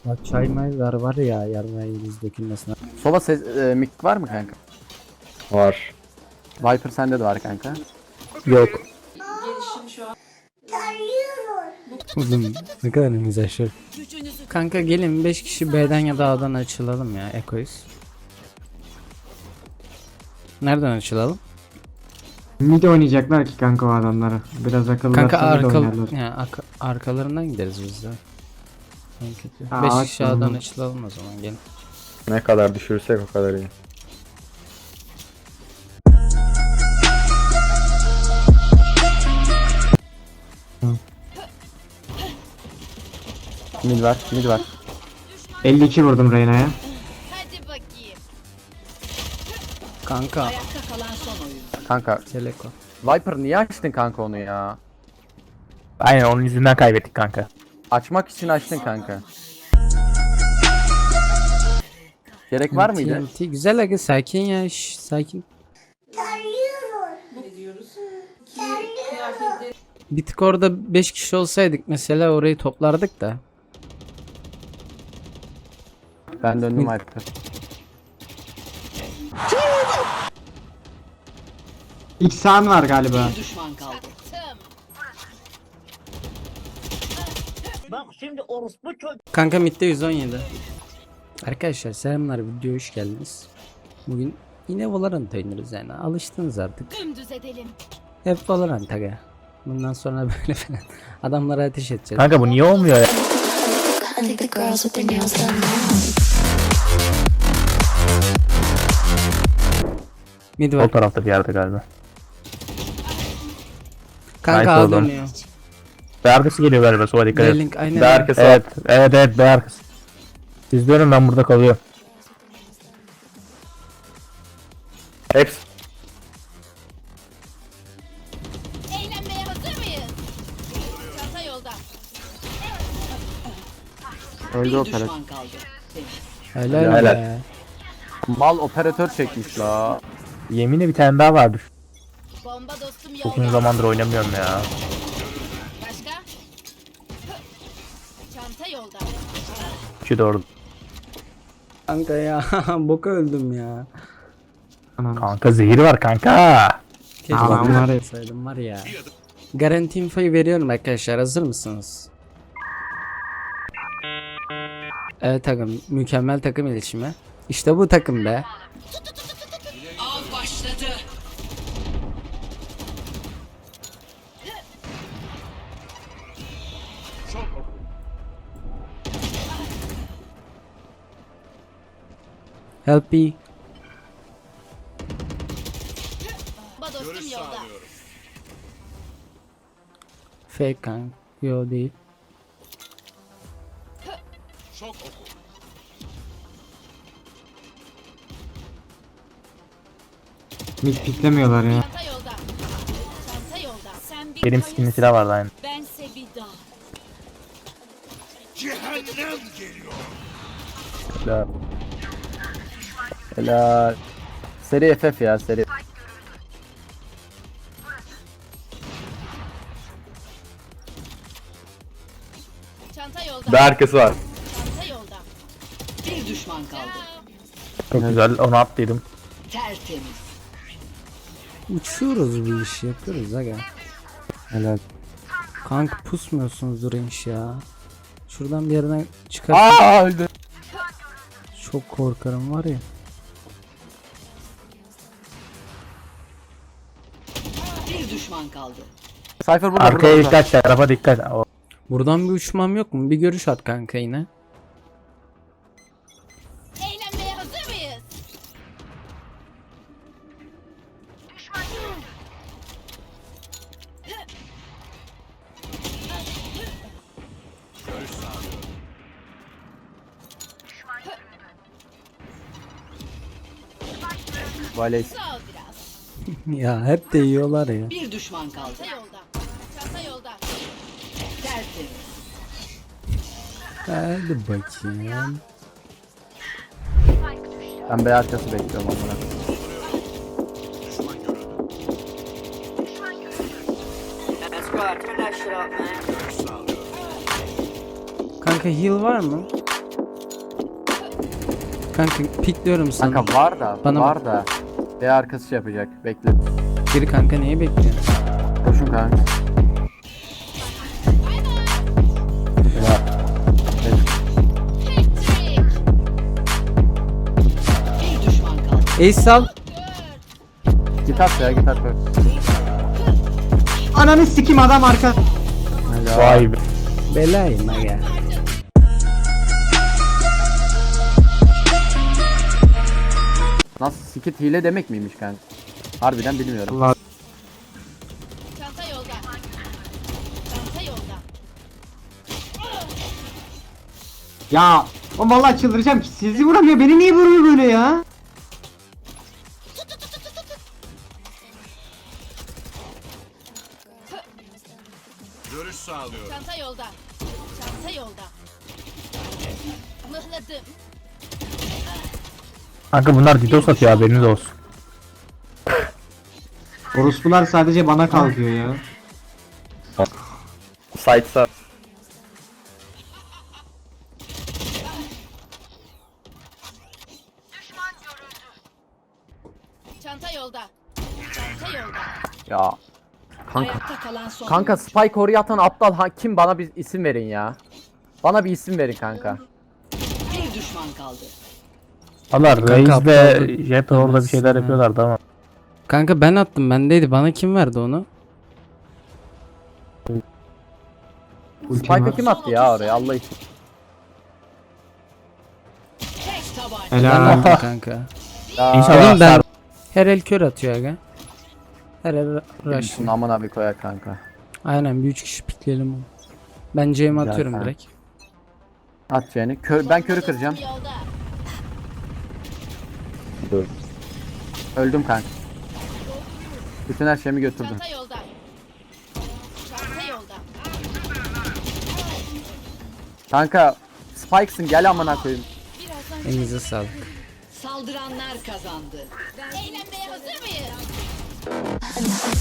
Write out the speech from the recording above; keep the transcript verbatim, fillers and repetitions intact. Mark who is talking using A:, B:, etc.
A: Bak çay maylar var ya yarmayınız dökülmesine.
B: Sova ses, e, mik var mı kanka?
C: Var.
B: Viper sende de var kanka.
A: Yok. Oğlum ne kadar güzel şey. Kanka gelin beş kişi B'den ya da A'dan açılalım ya Eko'yuz. Nereden açılalım?
D: Mid oynayacaklar ki kanka o adamları. Biraz akıllı
A: Kanka
D: atsanız
A: arka,
D: oynarlar.
A: ya, arka, arkalarından gideriz biz de.
D: Aa,
A: beş
D: bak
A: kişi A'dan
D: bakalım.
A: açılalım o zaman gelin.
C: Ne kadar düşürsek o kadar iyi.
B: Mid var, mid var.
D: elli iki vurdum Reyna'ya.
E: Hadi bakayım.
A: Kanka
E: Ayakta kalan son oyun.
B: Kanka
A: Teleko.
B: Viper niye açtın kanka onu ya?
F: Aynen onun yüzünden kaybettik kanka.
B: Açmak için açtın kanka. Gerek var mıydı?
A: T N T güzel aga sakin ya şş, sakin. Bir tık orada beş kişi olsaydık mesela orayı toplardık da.
B: Ben döndüm Viper.
D: İlk sağın var galiba.
E: Bir düşman kaldı.
A: Kanka midde yüz on yedi. Arkadaşlar selamlar, videoya hoş geldiniz. Bugün yine Valorant oynuyoruz yani alıştınız artık.
E: Dümdüz edelim.
A: Hep Valorant aga. Bundan sonra böyle falan adamlara ateş edeceğiz.
F: Kanka bu niye olmuyor ya?
G: I think the girls with their nails done now.
A: Mid
F: O
A: var.
F: tarafta bir yerde galiba.
A: Kanka
F: Nice
A: A
F: oldu.
A: dönüyor.
F: B arkası geliyor galiba, sola dikkat et.
A: Link aynen.
C: B arkası var.
F: Evet, evet evet B arkası. Siz dönün, ben burada kalıyorum.
C: Hepsi.
E: Eğlenmeye hazır mıyız? Çanta yolda.
B: Öldü
E: Bir
B: operatör.
E: düşman kaldı.
A: Helal
C: Helal.
A: be.
B: Mal operatör çekmiş la.
F: Yeminle bir tane daha vardır.
E: Bomba dostum
F: Çok uzun
E: yolda.
F: zamandır oynamıyorum ya.
E: Başka? Çanta yolda.
F: Şu doğru.
A: Kanka ya boka öldüm ya.
D: Anam.
F: Kanka zehir var kanka.
A: Keşke
D: Tamam,
A: ben
D: var ya.
A: yapsaydım var ya. Garanti infoyu veriyorum arkadaşlar, hazır mısınız? Evet takım, mükemmel takım iletişimi. İşte bu takım be.
E: Av başladı.
A: Help me.
E: Bomba dostum yolda.
A: Fake kan. Yo değil.
D: Mid piklemiyorlar ya.
E: Çanta yolda. Çanta yolda. Sen bir
F: Benim
E: polis,
F: skinli silah vardı aynı.
E: bense bir dağ.
B: Helal. Helal. Seri F F ya seri.
E: Çanta yolda.
C: B arkası var.
E: Çanta yolda. Bir düşman kaldı.
F: Çok güzel, onu attıydım.
E: Tertemiz.
A: Uçuyoruz bu işi yapıyoruz aga.
B: Helal.
A: Kanka pusmuyorsunuzdur inş ya. Şuradan bir yerden çıkar.
B: Aa öldü.
A: Çok korkarım var ya.
E: Bir düşman kaldı.
B: Cypher burada
F: Arkaya
B: burada. burada.
F: dikkat, tarafa dikkat. O.
A: Buradan bir uçmam yok mu? Bir görüş at kanka yine.
E: Eğlenmeye hazır mıyız?
B: Valey.
E: Sağ ol biraz.
A: Ya hep de yiyorlar ya.
E: Bir düşman kaldı. Çanta yolda. Çanta yolda. Tertemiz.
A: Hadi bakayım.
B: Ben B arkası bekliyorum amına.
A: Kanka heal var mı? Kanka pikliyorum sana.
B: Kanka var da
A: Bana
B: var da. B arkası şey yapacak. Bekle.
A: Geri kanka niye bekliyorsun?
B: Koşun kanka.
E: Bir düşman kaldı.
A: Ace sal.
B: Git at ya git at. koy.
D: Ananı sikim adam arka.
F: Vay be.
A: Belayım aga.
B: Nasıl skit hile demek miymiş kanka? Harbiden bilmiyorum.
D: Allah.
E: Çanta yolda. Çanta yolda.
D: Ya o vallahi çıldıracağım ki sizi vuramıyor beni niye vuruyor böyle ya?
E: Çanta yolda. Çanta yolda. Mıhladım.
F: Kanka bunlar DDoS atıyor haberiniz olsun.
D: Orospular sadece bana kalkıyor ya.
C: Sight'sa.
E: Çanta yolda. Çanta yolda.
B: Ya. Kanka.
E: Ayakta kalan son.
B: Kanka Spike oraya atan aptal ha, kim bana bir isim verin ya. Bana bir isim verin kanka.
E: Bir düşman kaldı.
F: Allah
A: Kanka
F: Reis
A: aptal
F: ve
A: dur.
F: Jet orada bir şeyler
A: Demezsin
F: yapıyorlardı ama.
A: Kanka ben attım bendeydi. Bana kim verdi onu?
B: Spike'ı kim attı ya oraya Allah için.
E: Tek tabanca.
A: Ben
D: Helal.
A: attım kanka.
B: Ya.
F: İnşallah
A: Oğlum ben
F: ben...
A: her el kör atıyor aga. Her el rush.
B: Şunu aman abi koyar kanka.
A: Aynen bir üç kişi pikleyelim onu. Ben C'mi
B: Güzel
A: atıyorum
B: kanka.
A: direkt.
B: At yani. Kör, ben körü kıracağım.
E: Yolda.
C: Dur.
B: Öldüm kanka. Bütün her şeyimi götürdüm.
E: Çanta yolda. Çanta yolda.
B: Kanka Spike'sın gel amına koyayım.
E: Birazdan
A: Elinize sağlık.
E: saldıranlar kazandı. Eğlenmeye hazır mıyız?